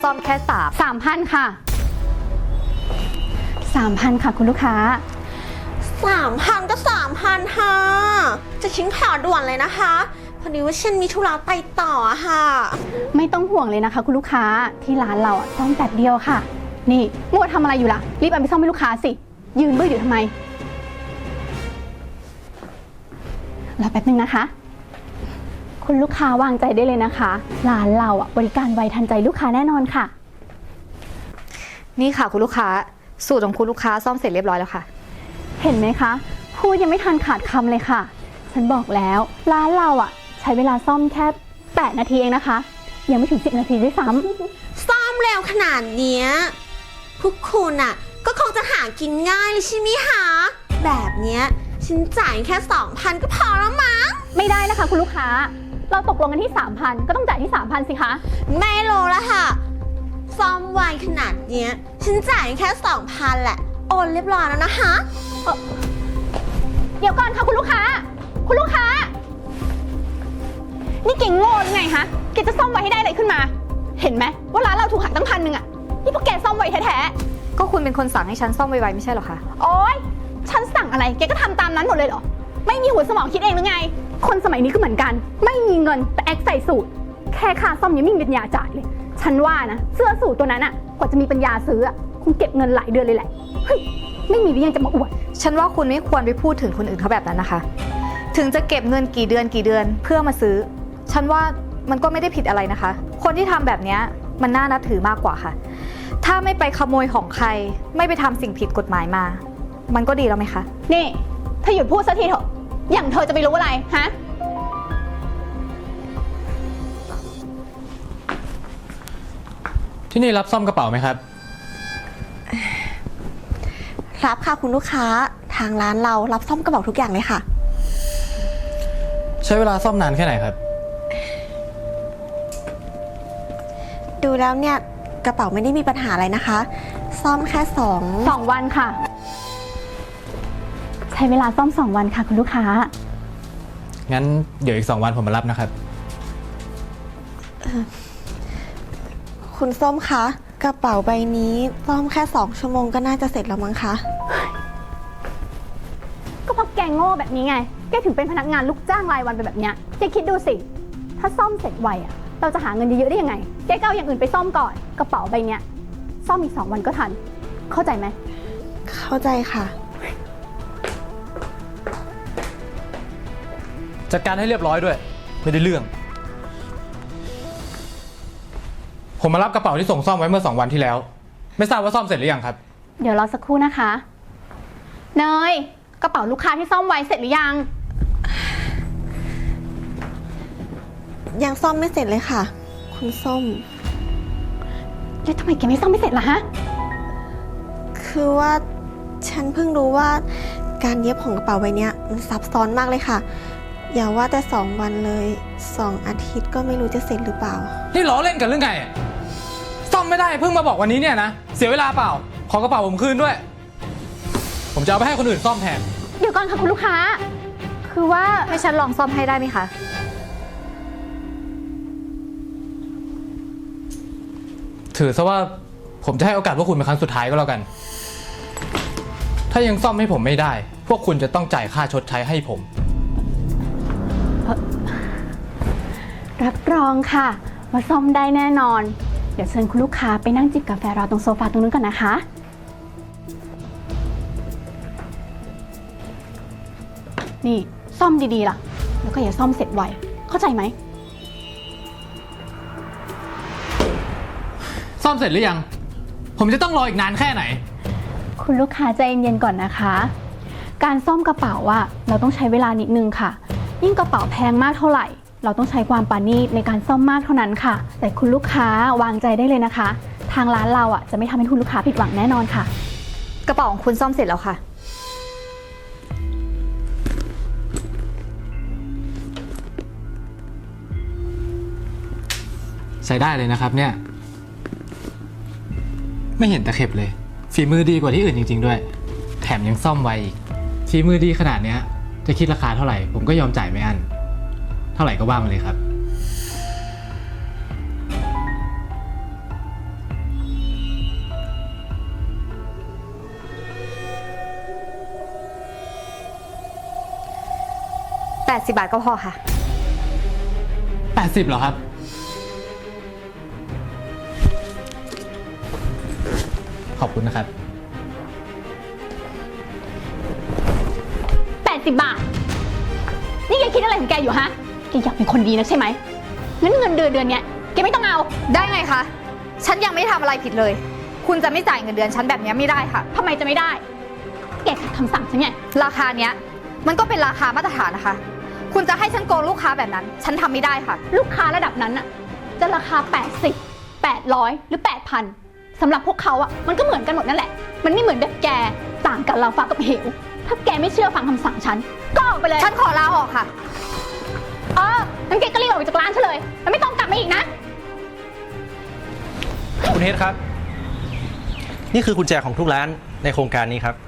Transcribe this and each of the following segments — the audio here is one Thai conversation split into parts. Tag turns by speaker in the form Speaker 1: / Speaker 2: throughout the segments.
Speaker 1: ซ่อมแค่
Speaker 2: 3,000ค่ะ3,000ค่ะคุณลูกค้า
Speaker 3: 3,000ก็3,000ค่ะจะชิ้นข่าวด่วนเลยนะคะพอดีว่าฉันมีธุระไปต่อค่ะ
Speaker 2: ไม่ต้องห่วงเลยนะคะคุณลูกค้าที่ร้านเราซ่อมแป๊บเดียวค่ะนี่มัวทำอะไรอยู่ล่ะรีบเอาไปซ่อมให้ลูกค้าสิยืนเบื่ออยู่ทำไมรอแป๊บนึงนะคะคุณลูกค้าวางใจได้เลยนะคะร้านเราบริการไวทันใจลูกค้าแน่นอนค่ะ
Speaker 1: นี่ค่ะคุณลูกค้าสูตรของคุณลูกค้าซ่อมเสร็จเรียบร้อยแล้วค่ะ
Speaker 2: เห็นไหมคะพูดยังไม่ทันขาดคำเลยค่ะฉันบอกแล้วร้านเราใช้เวลาซ่อมแค่8 นาทีเองนะคะยังไม่ถึง10 นาทีด้วยซ้ำ
Speaker 3: ซ่อมเร็วขนาดเนี้ยพวกคุณก็คงจะหากินง่ายเลยใช่ไหมคะแบบเนี้ยฉันจ่ายแค่ 2,000 ก็พอแล้วมั้ง
Speaker 2: ไม่ได้นะคะคุณลูกค้าเราตกลงกันที่ 3,000 ก็ต้องจ่ายที่ 3,000 สิคะ
Speaker 3: ไม่รู้ละค่ะซ่อมไวขนาดเนี้ยฉันจ่ายแค่ 2,000 แหละโอนเรียบร้อยแล้วนะคะ
Speaker 2: เดี๋ยวก่อนค่ะคุณลูกค้าคุณลูกค้านี่เก่งโง่หรือไงคะแกจะซ่อมไวให้ได้อะไรขึ้นมาเห็นไหมว่าร้านเราถูกหักตั้ง1,000นี่พวกแกซ่อมไวแท้
Speaker 1: ๆก็คุณเป็นคนสั่งให้ฉันซ่อมไวๆไม่ใช่หรอคะ
Speaker 2: โอ๊ยฉันสั่งอะไรแกก็ทำตามนั้นหมดเลยเหรอไม่มีหัวสมองคิดเองหรือไงคนสมัยนี้ก็เหมือนกันไม่มีเงินแต่แอคใส่สูตรแค่ค่าซ่อมยังไม่มีปัญญาจ่ายเลยฉันว่านะเสื้อสูทตัวนั้นกว่าจะมีปัญญาซื้อคงเก็บเงินหลายเดือนเลยแหละเฮ้ยไม่มีวิยังจะมาอวด
Speaker 1: ฉันว่าคุณไม่ควรไปพูดถึงคนอื่นเขาแบบนั้นนะคะถึงจะเก็บเงินกี่เดือนเพื่อมาซื้อฉันว่ามันก็ไม่ได้ผิดอะไรนะคะคนที่ทำแบบนี้มันน่านับถือมากกว่าค่ะถ้าไม่ไปขโมยของใครไม่ไปทำสิ่งผิดกฎหมายมามันก็ดีแล้วไหมคะ
Speaker 2: นี่ถ้าหยุดพูดสักทีเถอะอย่างเธอจะไปรู้อะไรฮะ
Speaker 4: ที่นี่รับซ่อมกระเป๋าไหมครับ
Speaker 3: รับค่ะคุณลูกค้าทางร้านเรารับซ่อมกระเป๋าทุกอย่างเลยค่ะ
Speaker 4: ใช้เวลาซ่อมนานแค่ไหนครับ
Speaker 3: ดูแล้วเนี่ยกระเป๋าไม่ได้มีปัญหาอะไรนะคะซ่อมแค่
Speaker 2: 2 วันค่ะใช้เวลาซ่อม2 วันค่ะคุณลูกค้า
Speaker 4: งั้นเดี๋ยวอีก2 วันผมมารับนะครับ
Speaker 3: คุณส้มคะกระเป๋าใบนี้ซ่อมแค่2 ชั่วโมงก็น่าจะเสร็จแล้วมั้งคะ
Speaker 2: ก็เพราะแกโง่แบบนี้ไงแกถึงเป็นพนักงานลูกจ้างรายวันไปแบบเนี้ยแกคิดดูสิถ้าซ่อมเสร็จไวเราจะหาเงินเยอะๆได้ยังไงแกก็เอาอย่างอื่นไปซ่อมก่อนกระเป๋าใบเนี้ยซ่อมอีก2 วันก็ทันเข้าใจไหม
Speaker 3: เข้าใจค่ะ
Speaker 4: จัดการให้เรียบร้อยด้วยไม่ได้เรื่องผมมารับกระเป๋าที่ส่งซ่อมไว้เมื่อ2 วันที่แล้วไม่ทราบว่าซ่อมเสร็จหรือยังครับ
Speaker 2: เดี๋ยวรอสักครู่นะคะเนยกระเป๋าลูกค้าที่ซ่อมไว้เสร็จหรือยัง
Speaker 3: ยังซ่อมไม่เสร็จเลยค่ะคุณส้ม
Speaker 2: แล้วทำไมแกไม่ซ่อมไม่เสร็จล่ะฮะ
Speaker 3: คือว่าฉันเพิ่งรู้ว่าการเย็บของกระเป๋าใบนี้มันซับซ้อนมากเลยค่ะอย่าว่าแต่2 วันเลย2 อาทิตย์ก็ไม่รู้จะเสร็จหรือเปล่า
Speaker 4: นี่ล้อเล่นกันหรือไงซ่อมไม่ได้เพิ่งมาบอกวันนี้เนี่ยนะเสียเวลาเปล่าขอกระเป๋าผมคืนด้วยผมจะเอาไปให้คนอื่นซ่อมแทน
Speaker 2: เดี๋ยวก่อนค่ะคุณลูกค้าคือว่า
Speaker 1: ให้ฉันลองซ่อมให้ได้ไหมคะ
Speaker 4: ถือซะว่าผมจะให้โอกาสพวกคุณเป็นครั้งสุดท้ายก็แล้วกันถ้ายังซ่อมให้ผมไม่ได้พวกคุณจะต้องจ่ายค่าชดใช้ให้ผม
Speaker 2: รับรองค่ะว่าซ่อมได้แน่นอนเดี๋ยวเชิญคุณลูกค้าไปนั่งจิบกาแฟรอตรงโซฟาตรงนู้นก่อนนะคะนี่ซ่อมดีๆล่ะแล้วก็อย่าซ่อมเสร็จไวเข้าใจไหม
Speaker 4: ซ่อมเสร็จหรือยังผมจะต้องรออีกนานแค่ไหน
Speaker 2: คุณลูกค้าใจเย็นๆก่อนนะคะการซ่อมกระเป๋าเราต้องใช้เวลานิดนึงค่ะยิ่งกระเป๋าแพงมากเท่าไหร่เราต้องใช้ความปราณีตในการซ่อมมากเท่านั้นค่ะแต่คุณลูกค้าวางใจได้เลยนะคะทางร้านเราจะไม่ทำให้คุณลูกค้าผิดหวังแน่นอนค่ะ
Speaker 1: กระเป๋าของคุณซ่อมเสร็จแล้วค่ะ
Speaker 4: ใช้ได้เลยนะครับเนี่ยไม่เห็นตะเข็บเลยฝีมือดีกว่าที่อื่นจริงๆด้วยแถมยังซ่อมไวอีกฝีมือดีขนาดเนี้ยจะคิดราคาเท่าไหร่ผมก็ยอมจ่ายไม่อั้นเท่าไหร่ก็ว่ามาเลยครับ
Speaker 1: 80 บาทก็พอค่ะ
Speaker 4: 80เหรอครับ ขอบคุณนะครับ
Speaker 2: 80 บาท นี่แกคิดอะไรของแกอยู่ฮะ แกอยากเป็นคนดีนะใช่ไหม งั้นเงินเดือนเนี้ยแกไม่ต้องเอา
Speaker 1: ได้ไงคะ ฉันยังไม่ทำอะไรผิดเลย คุณจะไม่จ่ายเงินเดือนฉันแบบนี้ไม่ได้ค่ะ
Speaker 2: ทำไมจะไม่ได้ แกขัดคำสั่งฉันไง
Speaker 1: ราคาเนี้ยมันก็เป็นราคามาตรฐานนะคะ คุณจะให้ฉันโกงลูกค้าแบบนั้น ฉันทำไม่ได้ค่ะ
Speaker 2: ลูกค้าระดับนั้นอะจะราคา 80 800 หรือ 8,000 สำหรับพวกเขาอะมันก็เหมือนกันหมดนั่นแหละ มันไม่เหมือนแบบแก ต่างกันราวฟ้ากับเหว ถ้าแกไม่เชื่อฟังคำสั่งฉัน ก็ออกไปเลย
Speaker 1: ฉันขอลาออกค่ะ
Speaker 2: งั้นแกก็รีบออกไปจากร้านฉันเลย แล้วไม่ต้องกลับมาอีกนะ
Speaker 5: คุณเฮดครับ นี่คือกุญแจของทุกร้านในโครงการนี้ครับ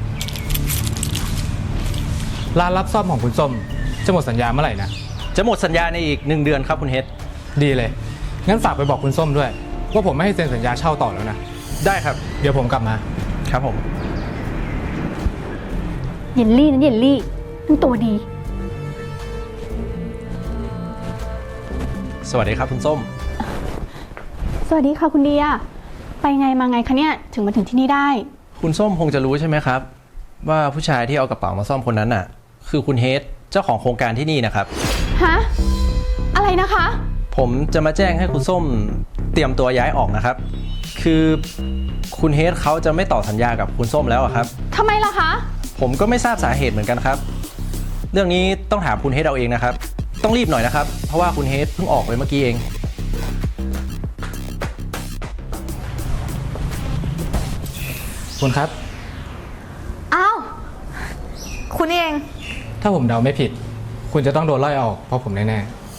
Speaker 4: ร้านรับซ่อมของคุณส้มจะหมดสัญญาเมื่อไหร่นะ
Speaker 5: จะหมดสัญญาในอีก1 เดือนครับคุณเฮด
Speaker 4: ดีเลย งั้นฝากไปบอกคุณส้มด้วย ว่าผมไม่ให้เซ็นสัญญาเช่าต่อแล้วนะ
Speaker 5: ได้ครับ
Speaker 4: เดี๋ยวผมกลับมา
Speaker 5: ครับผม
Speaker 2: เยลลี่นะเยลลี่มันตัวดี
Speaker 5: สวัสดีครับคุณส้ม
Speaker 2: สวัสดีค่ะคุณเดีย ไปไงมาไงคะเนี่ย ถึงมาถึงที่นี่ได้
Speaker 5: คุณส้มคงจะรู้ใช่ไหมครับ ว่าผู้ชายที่เอากระเป๋ามาซ่อมคนนั้นน่ะ คือคุณเฮดเจ้าของโครงการที่นี่นะครับ
Speaker 2: ฮะ อะไรนะคะ
Speaker 5: ผมจะมาแจ้งให้คุณส้มเตรียมตัวย้ายออกนะครับ คือคุณเฮดเขาจะไม่ต่อสัญญากับคุณส้มแล้วอะครับ
Speaker 2: ทำไมล่ะคะ
Speaker 5: ผมก็ไม่ทราบสาเหตุเหมือนกันครับ เรื่องนี้ต้องถามคุณเฮดเอาเองนะครับ ต้องรีบหน่อยนะครับ เพราะว่าคุณเฮดเพิ่งออกไปเมื่อกี้เอง
Speaker 4: คุณครับ
Speaker 1: อ้าว คุณเอง
Speaker 4: ถ้าผมเดาไม่ผิด คุณจะต้องโดนไล่ออกเพราะผมแน่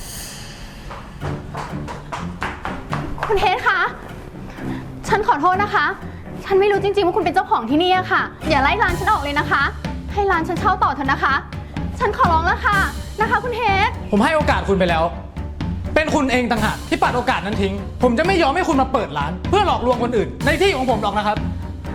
Speaker 2: คุณเฮดคะ ฉันขอโทษนะคะ ฉันไม่รู้จริงๆว่าคุณเป็นเจ้าของที่นี่อะค่ะ อย่าไล่ร้านฉันออกเลยนะคะ ให้ร้านฉันเช่าต่อเถอะนะคะ ฉันขอร้องแล้วค่ะ นะคะคุณเฮด
Speaker 4: ๆ ผมให้โอกาสคุณไปแล้ว เป็นคุณเองต่างหากที่ปัดโอกาสนั้นทิ้ง ผมจะไม่ยอมให้คุณมาเปิดร้าน เพื่อหลอกลวงคนอื่น ในที่ของผมหรอกนะครับ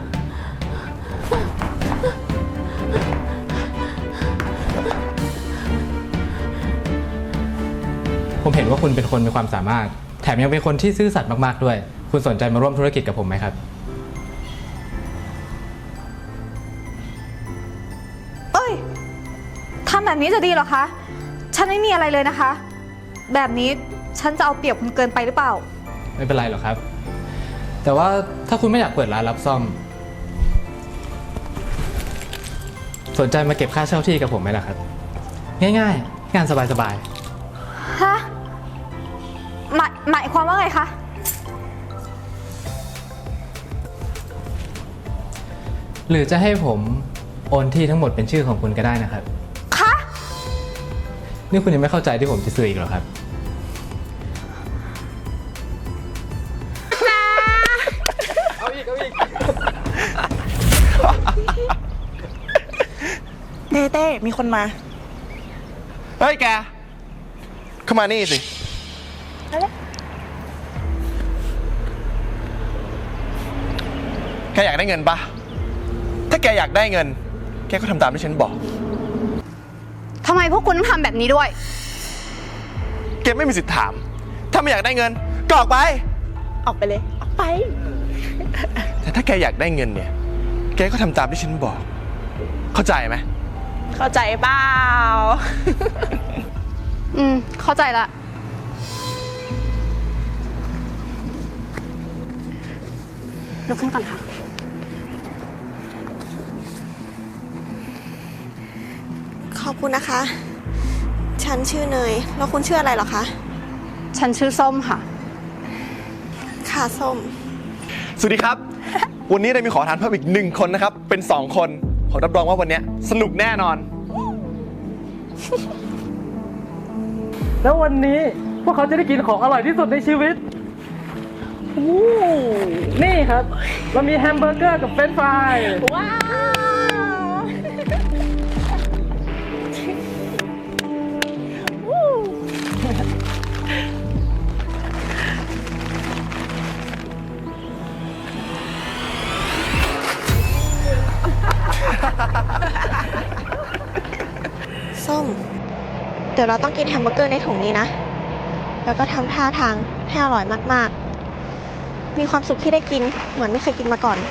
Speaker 4: ผมเห็นว่าคุณเป็นคนมีความสามารถ แถมยังเป็นคนที่ซื่อสัตย์มากๆด้วย คุณสนใจมาร่วมธุรกิจกับผมไหมครับ
Speaker 1: เอ้ย ทำแบบนี้จะดีเหรอคะ ฉันไม่มีอะไรเลยนะคะ แบบนี้ฉันจะเอาเปรียบคุณเกินไปหรือเปล่า
Speaker 4: ไม่เป็นไรหรอกครับ แต่ว่าถ้าคุณไม่อยากเปิดร้านรับซ่อม สนใจมาเก็บค่าเช่าที่กับผมไหมล่ะครับ ง่ายๆ งานสบาย
Speaker 1: ฮะ หมายความว่าไงคะ
Speaker 4: ๆ หรือจะให้ผมโอนที่ทั้งหมดเป็นชื่อของคุณก็ได้นะครับ
Speaker 1: คะ
Speaker 4: นี่คุณยังไม่เข้าใจที่ผมจะสื่ออีกเหรอครับ
Speaker 6: เต้มีคนมา
Speaker 7: เฮ้ยแก เข้ามานี่สิ แกอยากได้เงินปะ ถ้าแกอยากได้เงิน แกก็ทำตามที่ฉันบอก
Speaker 1: ทำไมพวกคุณต้องทำแบบนี้ด้วย
Speaker 7: แกไม่มีสิทธิ์ถาม ถ้าไม่อยากได้เงินก็ออกไป
Speaker 6: ออกไปเลย ออกไป
Speaker 7: แต่ถ้าแกอยากได้เงินเนี่ย แกก็ทำตามที่ฉันบอก เข้าใจไหม
Speaker 6: เข้าใจเปล่า
Speaker 1: เข้าใจละ
Speaker 2: ลุกขึ้นก่อนค่ะ
Speaker 3: ขอบคุณนะคะ ฉันชื่อเนย แล้วคุณชื่ออะไรเหรอคะ
Speaker 1: ฉันชื่อส้มค่ะ
Speaker 3: ค่ะส้ม
Speaker 7: สวัสดีครับ วันนี้ได้มีขอทานเพิ่มอีก1 คนนะครับ เป็น 2 คน ขอรับรองว่าวันนี้สนุกแน่นอน
Speaker 4: แล้ววันนี้พวกเขาจะได้กินของอร่อยที่สุดในชีวิต นี่ครับ เรามีแฮมเบอร์เกอร์กับเฟรนช์ฟราย
Speaker 6: ว้าว
Speaker 3: ส้มเดี๋ยวเราต้องกินแฮมเบอร์เกอร์ในถุงนี้นะ แล้วก็ทำท่าทางให้อร่อยมากๆ มีความสุขที่ได้กินเหมือนไม่เคยกินมาก่อน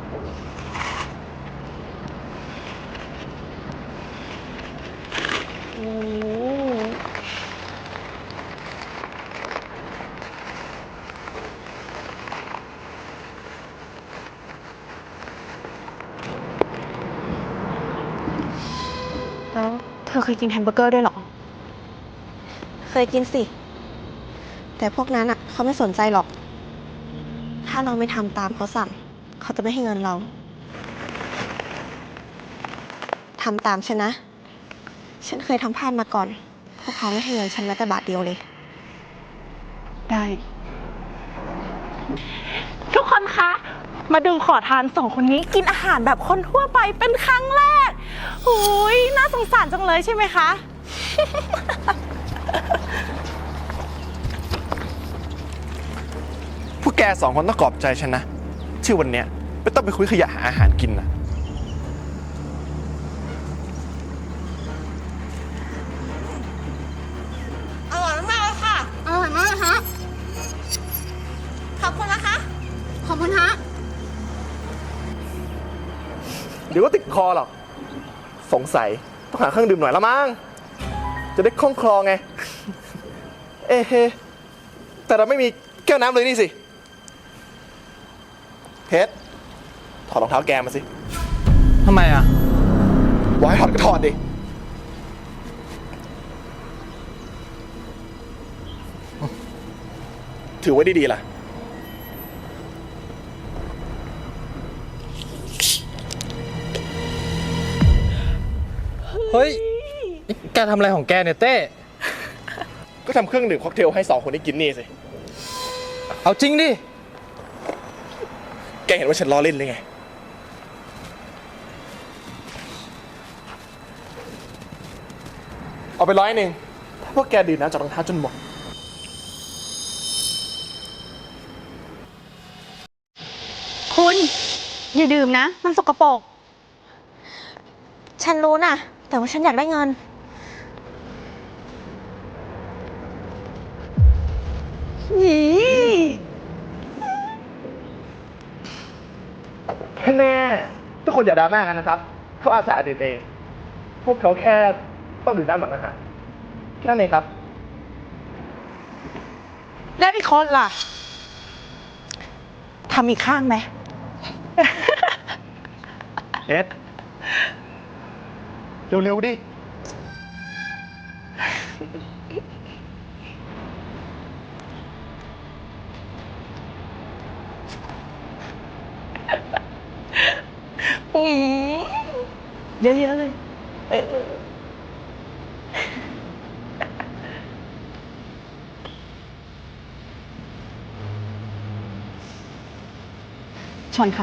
Speaker 2: แล้วเธอเคยกินแฮมเบอร์เกอร์ด้วยเหรอ
Speaker 3: เคยกินสิ แต่พวกนั้นอ่ะเขาไม่สนใจหรอก ถ้าเราไม่ทำตามเขาสั่ง เขาจะไม่ให้เงินเรา ทำตามฉันนะ ฉันเคยทำพลาดมาก่อน พวกเขาไม่ให้เงินฉันแม้แต่บาทเดียวเลย
Speaker 2: ได้
Speaker 6: ทุกคนคะ มาดูขอทานสองคนนี้กินอาหารแบบคนทั่วไปเป็นครั้งแรกหุยน่าสงสารจังเลยใช่ไหมคะ
Speaker 7: พวกแกสองคนต้องขอบใจฉันนะ ที่วันเนี้ยไม่ต้องไปคุยขยะหาอาหารกินนะ
Speaker 3: อร่อยมากเลยค่ะ
Speaker 2: อร่อยมากเลยฮะ
Speaker 3: ขอบคุณนะคะ
Speaker 2: ขอบคุณฮะ
Speaker 7: เดี๋ยวก็ติดคอหรอก สงสัยต้องหาเครื่องดื่มหน่อยละมั้ง จะได้คล่องคลอไง เอ๊ะแต่เราไม่มีแก้วน้ำเลยนี่สิเพชรถอดรองเท้าแกมาสิ
Speaker 4: ทำไมอ่ะ
Speaker 7: บอกให้ถอดก็ถอดดิ ถือไว้ดีๆล่ะ
Speaker 4: เฮ้ยนี่แกทำอะไรของแกเนี่ยเต้
Speaker 7: ก็ทำเครื่องดื่มค็อกเทลให้สองคนนี้กินนี่สิ
Speaker 4: เอาจริงดิ
Speaker 7: แกเห็นว่าฉันล้อเล่นหรือไง เอาไป100ถ้าพวกแกดื่มน้ำจากรองเท้าจนหมด
Speaker 2: คุณ อย่าดื่มนะ มันสกปรก
Speaker 3: ฉันรู้นะ แต่ว่าฉันอยากได้เงิน
Speaker 7: แน่ทุกคนอย่าดราม่ากันนะครับเขาอาสาดื่มเอง พวกเขาแค่ต้องดื่มน้ำหลังอาหารแค่นั้นเองครับ
Speaker 6: แล้วอีกคนล่ะ ทำอีกข้างไหม
Speaker 7: เอ็ด เร็วๆดิ
Speaker 6: เยอะๆเลย
Speaker 2: ชนค่ะ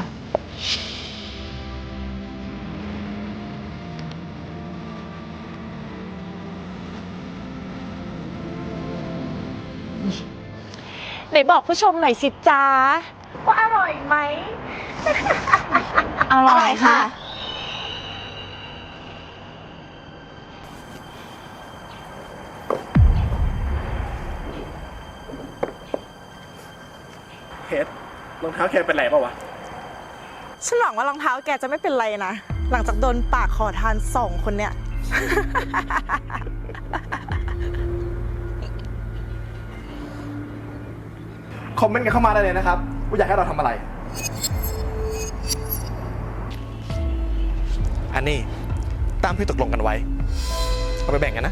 Speaker 6: ไหนบอกผู้ชมหน่อยสิจ้าว่าอร่อยไหม
Speaker 2: อร่อยค่ะ
Speaker 7: เฮ็ดรองเท้าแกเป็นไรเปล่าวะ
Speaker 6: ฉันหวังว่ารองเท้าแกจะไม่เป็นไรนะ หลังจากโดนปากขอทานสองคนเนี่ย
Speaker 7: คอมเมนต์กันเข้ามาได้เลยนะครับ ว่าอยากให้เราทำอะไร อันนี้ตามที่ตกลงกันไว้ เอาไปแบ่งกันนะ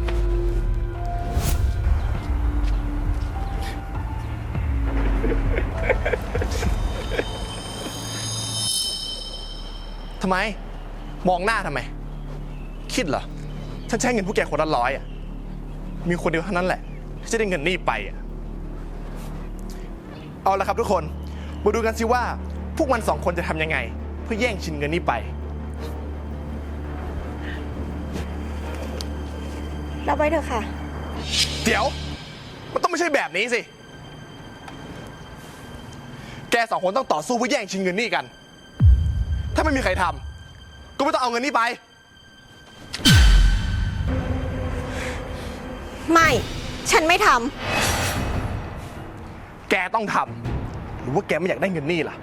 Speaker 7: ทำไม มองหน้าทำไม คิดเหรอ ฉันใช้เงินพวกแกคนละ100อ่ะ มีคนเดียวเท่านั้นแหละที่จะได้เงินนี่ไปอ่ะ เอาละครับทุกคน มาดูกันสิว่าพวกมัน2คนจะทำยังไง เพื่อแย่งชิงเงินนี้ไป
Speaker 3: รับไว้เถอะค่ะ
Speaker 7: เดี๋ยว มันต้องไม่ใช่แบบนี้สิ แก2คนต้องต่อสู้เพื่อแย่งชิงเงินนี่กัน ถ้าไม่มีใครทำก็ไม่ต้องเอาเงินนี้ไป
Speaker 3: ไม่ ฉันไม่ท
Speaker 7: แกต้องทำหรือว่าแกไม่อยากได้เงินนี่ล่ะ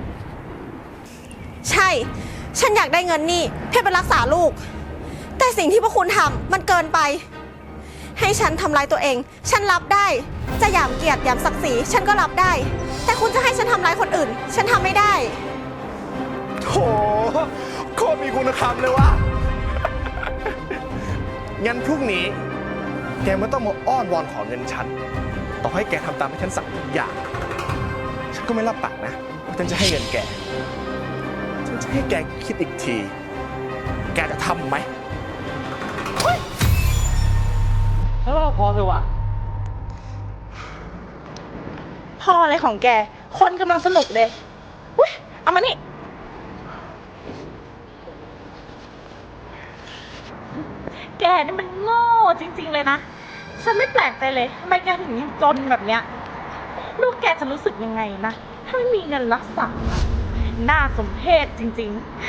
Speaker 3: ำ ใช่ ฉันอยากได้เงินนี่เพื่อไปรักษาลูก แต่สิ่งที่พวกคุณทำมันเกินไป ให้ฉันทำร้ายตัวเอง ฉันรับได้ จะหยามเกียรติหยามศักดิ์ศรีฉันก็รับได้ แต่คุณจะให้ฉันทำร้ายคนอื่น ฉันทำไม่ได้
Speaker 7: โถโคตรมีคุณธรรมเลยวะ งั้นพรุ่งนี้ แกไม่ต้องมาอ้อนวอนขอเงินฉัน ต่อให้แกทำตามที่ฉันสั่งทุกอย่าง ฉันก็ไม่รับปากนะว่าฉันจะให้เงินแก ฉันจะให้แกคิดอีกที แกจะทำไหม
Speaker 4: แล้วเราพอเลยว่ะ
Speaker 6: พออะไรของแก คนกำลังสนุกเลยอุ้ยเอามานี่ แกนี่มันโง่จริง ๆ เลยนะ ฉันไม่แปลกใจเลยทำไมแกถึงยังจนแบบเนี้ย ลูกแกจะรู้สึกยังไงนะ ถ้าไม่มีเงินรักษา น่าสมเพชจริง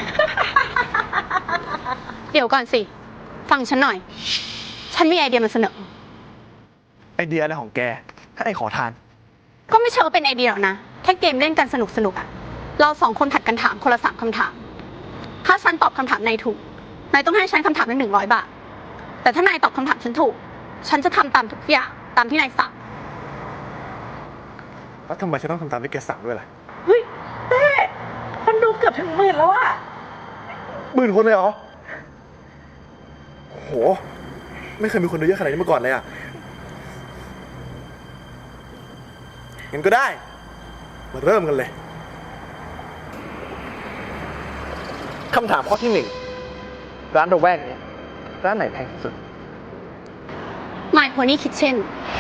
Speaker 2: เดี๋ยวก่อนสิ ฟังฉันหน่อย ฉันมีไอเดียมาเสนอ
Speaker 7: ไอเดียอะไรของแก ให้ไอขอทาน
Speaker 2: ก็ไม่เชิงว่าเป็นไอเดียหรอกนะ แค่เกมเล่นกันสนุกๆอะเราสองคนผัดกันถามคนละ3 คำถาม ถ้าฉันตอบคำถามนายถูก นายต้องให้ฉันคำถามละ100 บาท แต่ถ้านายตอบคำถามฉันถูก ฉันจะทำตามทุกอย่างตามที่นายสั่ง
Speaker 7: แล้วทำไมฉันต้องทำตามที่แกสั่งด้วยล่ะ
Speaker 6: ๆ เฮ้ยเต้คนดูเกือบถึง10,000แล้วอะ
Speaker 7: 10,000 คนเลยเหรอ โห ไม่เคยมีคนดูเยอะขนาดนี้มาก่อนเลยอ่ะ งั้นก็ได้ มาเริ่มกันเลย คำถามข้อที่ 1 ร้านระแวกนี้ร้านไหนแพงที่สุด
Speaker 2: My Pony Kitchen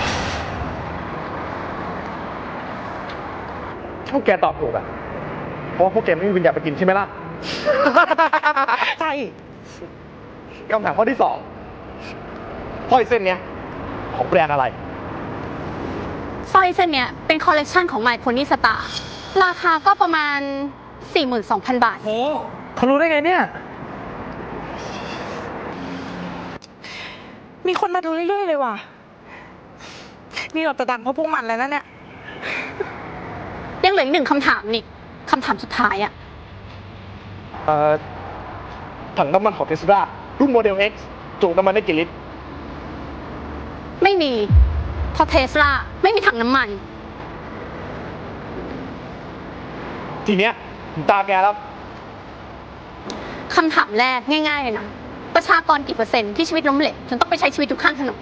Speaker 7: พวกแกตอบถูกอ่ะ เพราะว่าพวกแกไม่มีวิญญาณไปกินใช่ไหมล่ะ
Speaker 6: ใช่
Speaker 7: คำถามข้อที่ 2สร้อยเส้นเนี้ยของแบรนด์อะไร
Speaker 2: สร้อยเส้นเนี้ยเป็นคอลเลกชันของ My Pony Star ราคาก็ประมาณ 42,000 บาท
Speaker 4: โหเขารู้ได้ไงเนี่ย
Speaker 6: มีคนมาดูเรื่อยๆเลยว่ะ นี่เราจะดังเพราะพวกมันแล้วนะเนี่ย
Speaker 2: ยังเหลืออีก1 คำถามนี่คำถามสุดท้ายอะ
Speaker 7: ถังน้ำมันของเทสลารุ่นโมเดล X จุน้ำมันได้กี่ลิตร
Speaker 2: ไม่มีเพราะเทสลาไม่มีถังน้ำมัน
Speaker 7: ทีเนี้ยถึงตาแกแล้ว
Speaker 2: คำถามแรกง่ายๆเลยนะ ประชากรกี่%ที่ชีวิตล้มเหลวจนต้องไปใช้ชีวิตอยู่ข้างถนน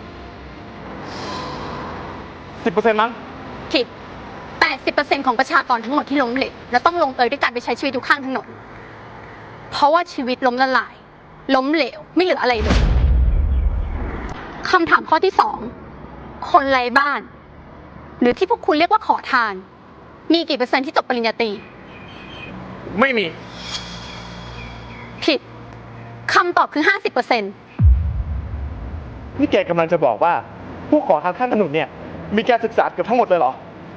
Speaker 7: 10% มั้ง
Speaker 2: ผิด 80% ของประชากรทั้งหมดที่ล้มเหลวและต้องลงเอยด้วยการไปใช้ชีวิตอยู่ข้างถนน เพราะว่าชีวิตล้มละลาย ล้มเหลวไม่เหลืออะไรเลยคำถามข้อที่ 2 คนไร้บ้าน หรือที่พวกคุณเรียกว่าขอทาน มีกี่% ที่จบปริญญาตรี
Speaker 7: ไม่มี
Speaker 2: ผิดคำตอบคือ 50%
Speaker 7: นี่แกกำลังจะบอกว่า ผู้ขอทานข้างถนนเนี่ย มีการศึกษาเกือบทั้งหมดเลยเหรอ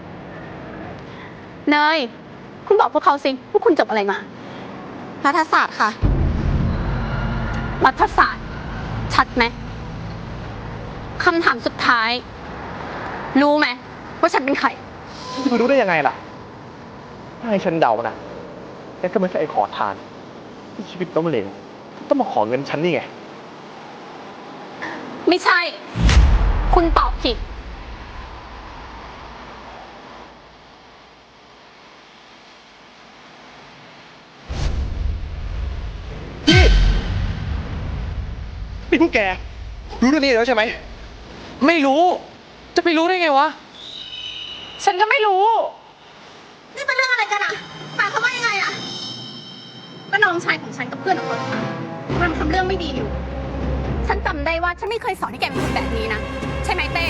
Speaker 2: เนย คุณบอกพวกเขาสิว่าคุณจบอะไรมา
Speaker 3: รัฐศาสตร์ค่ะ
Speaker 2: รัฐศาสตร์ ชัดไหมคำถามสุดท้าย รู้ไหมว่าฉันเป็นใคร
Speaker 7: ที่คุณรู้ได้ยังไงล่ะ ถ้าให้ฉันเดานะแกก็ไม่ใช่ไอ้ขอทาน ที่ชีวิตล้มเหลวต้องมาขอเงินฉันนี่ไง
Speaker 2: ไม่ใช่ คุณตอบผิด
Speaker 7: นี่พวกแก รู้เรื่องนี้แล้วใช่ไหม
Speaker 4: ไม่รู้ จะไปรู้ได้ไงวะ
Speaker 6: ฉันก็ไม่รู้
Speaker 2: นี่เป็นเรื่องอะไรกันอะหมายความว่ายังไงอะก็น้องชายของฉันกับเพื่อนของมันมันทำเรื่องไม่ดีอยู่ ฉันจำได้ว่าฉันไม่เคยสอนให้แกเป็นคนแบบนี้นะ ใช่ไหมเต้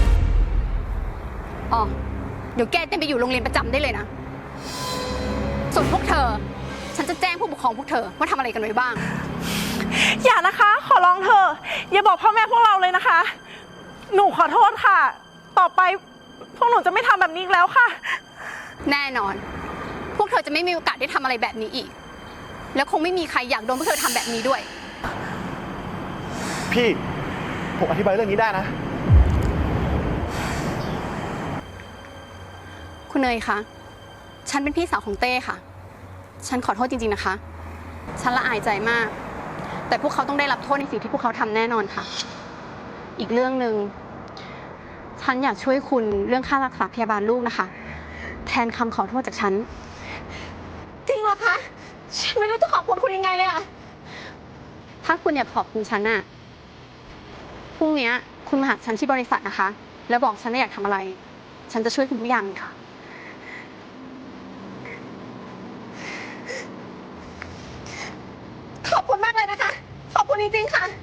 Speaker 2: อ๋อ เดี๋ยวแกเต้นไปอยู่โรงเรียนประจำได้เลยนะ ส่วนพวกเธอ ฉันจะแจ้งผู้ปกครองพวกเธอว่าทำอะไรกันไว้บ้าง
Speaker 6: อย่านะคะ ขอร้องเธอะอย่าบอกพ่อแม่พวกเราเลยนะคะ หนูขอโทษค่ะ ต่อไปพวกหนูจะไม่ทำแบบนี้อีกแล้วค่ะ
Speaker 2: แน่นอน พวกเธอจะไม่มีโอกาสได้ทำอะไรแบบนี้อีก แล้วคงไม่มีใครอยากโดนพวกเธอทำแบบนี้ด้วย
Speaker 7: พี่ ผมอธิบายเรื่องนี้ได้นะ
Speaker 2: คุณเนยคะ ฉันเป็นพี่สาวของเต้ค่ะ ฉันขอโทษจริงๆนะคะ ฉันละอายใจมาก แต่พวกเขาต้องได้รับโทษในสิ่งที่พวกเขาทำแน่นอนค่ะ อีกเรื่องหนึ่ง ฉันอยากช่วยคุณเรื่องค่ารักษาพยาบาลลูกนะคะ แทนคำขอโทษจากฉัน
Speaker 3: จริงเหรอคะ ฉันไม่รู้จะขอบคุณคุณยังไงเลยอะ
Speaker 2: ถ้าคุณอยากขอบคุณฉันน่ะ พรุ่งนี้คุณมาหาฉันที่บริษัทนะคะ แล้วบอกฉันว่าอยากทำอะไร ฉันจะช่วยคุณทุกอย่างค่ะ
Speaker 3: ขอบคุณมากเลยนะคะ ขอบคุณจริงๆค่ะ